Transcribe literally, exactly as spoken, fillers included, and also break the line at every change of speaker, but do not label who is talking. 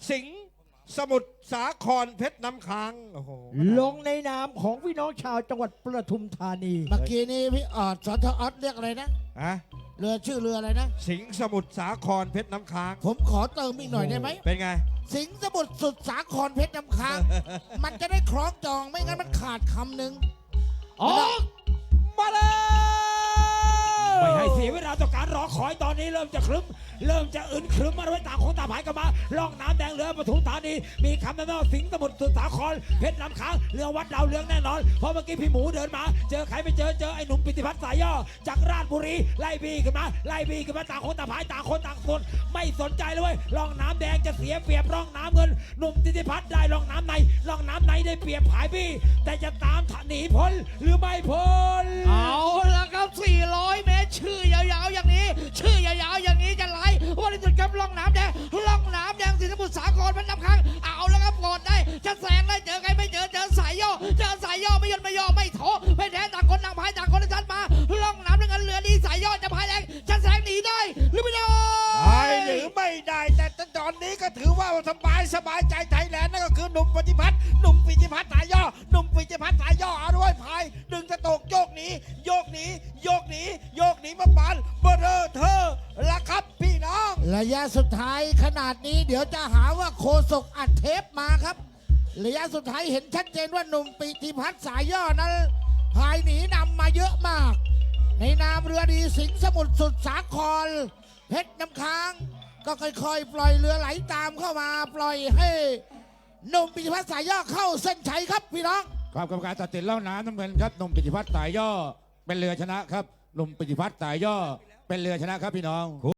สิงห์สมุทรสาครเพชรน้ำค้างโอ้โห
ลงในนามของพี่น้องชาวจังหวัดปทุมธานี
เมื่อกี้นี้พี่ออดสทออสเรียกอะไรนะ
อะ
เรือชื่อเรืออะไรนะ
สิงห์สมุทรสาครเพชรน้ำค้าง
ผมขอเติมอีกหน่อยได้ไหม
เป็นไง
สิงห์สมุทรสุดสาครเพชรน้ำค้าง มันจะได้คล้องจองไม่งั้นมันขาดคำหนึ่ง
ออกมาเลย
ไม่ให้เสียเวลาต่อการรอคอยตอนนี้เริ่มจะครึ้มเริ่มจะอึนครึ้มมาด้วยต่างคนต่างผายกันมาล่องน้ำแดงเรือปทุมธานีมีคำนำหน้าสิงห์สมุทรสุสาครเพชรน้ำค้างเรือวัดดาวเรืองแน่นอนเพราะเมื่อกี้พี่หมูเดินมาเจอใครไม่เจอเจอไอ้หนุ่มปิติพัฒน์สายย่อจากราชบุรีไล่บีขึ้นมาไล่บีขึ้นมาต่างคนต่างผายต่างคนต่างคนไม่สนใจเลยเว้ยล่องน้ำแดงจะเสียเปรียบร่องน้ำเงินหนุ่มปิติพัฒน์ได้ล่องน้ำในล่องน้ำในได้เปรียบผายบี้แต่จะตามหนีพ้นหรือไม่พ้น
เอาละครับสี่ร้อยเมตรชื่อยาวๆอย่างนี้ ชื่อยาวๆอย่างนี้จะไหลวันที่สุดครับล่องน้ำแดงล่องน้ำแดงสิงห์สมุทรสาครเป็นน้ำค้างเอาแล้วครับกดได้จะแซงได้เจอใครไม่เจอเจอสายย่อเจอสายย่อไม่ยนไม่ย่อไม่โถไม่แท้ต่างคนต่างพายต่างคนต่างชันมาล่องน้ำด้วยกันเรือดีสายย่อจะพายแรงจะแซงหนีได้หรือไม่ได้
ได้หรือไม่ได้แต่ตอนนี้ก็ถือว่าสบายสบายใจไทยแลนด์นั่นก็คือหนุ่มปฏิพัฒน์หนุ่มปิติพัฒน์สายย่อหนุ่มปิติพัฒน์สายย่อเอาด้วยพายดึงจะตกโยกหนีโยกหนีโยกหนีโยกหนีมาปานเบอร์เรอเธอละครับพี่น้อง
ระยะสุดท้ายขนาดนี้เดี๋ยวจะหาว่าโคศกอัดเทปมาครับ ระยะสุดท้ายเห็นชัดเจนว่าหนุ่มปิติพัฒน์สายย่อนั้นพายหนีนำมาเยอะมาก ในนามเรือดีสิงห์สมุทรสุดสาครเพชรน้ำค้าง ก็ค่อยๆ ปล่อยเรือไหลตามเข้ามาปล่อยให้หนุ่มปิติพัฒน์สายย่อเข้าเส้นชัยครับพี่น้อง
ครับกรรมการตัดสินเล่าน้ำน้ำเงินครับหนุ่มปิติพัฒน์สายย่อเป็นเรือชนะครับหนุ่มปิติพัฒน์สายย่อเป็นเรือชนะครับพี่น้อง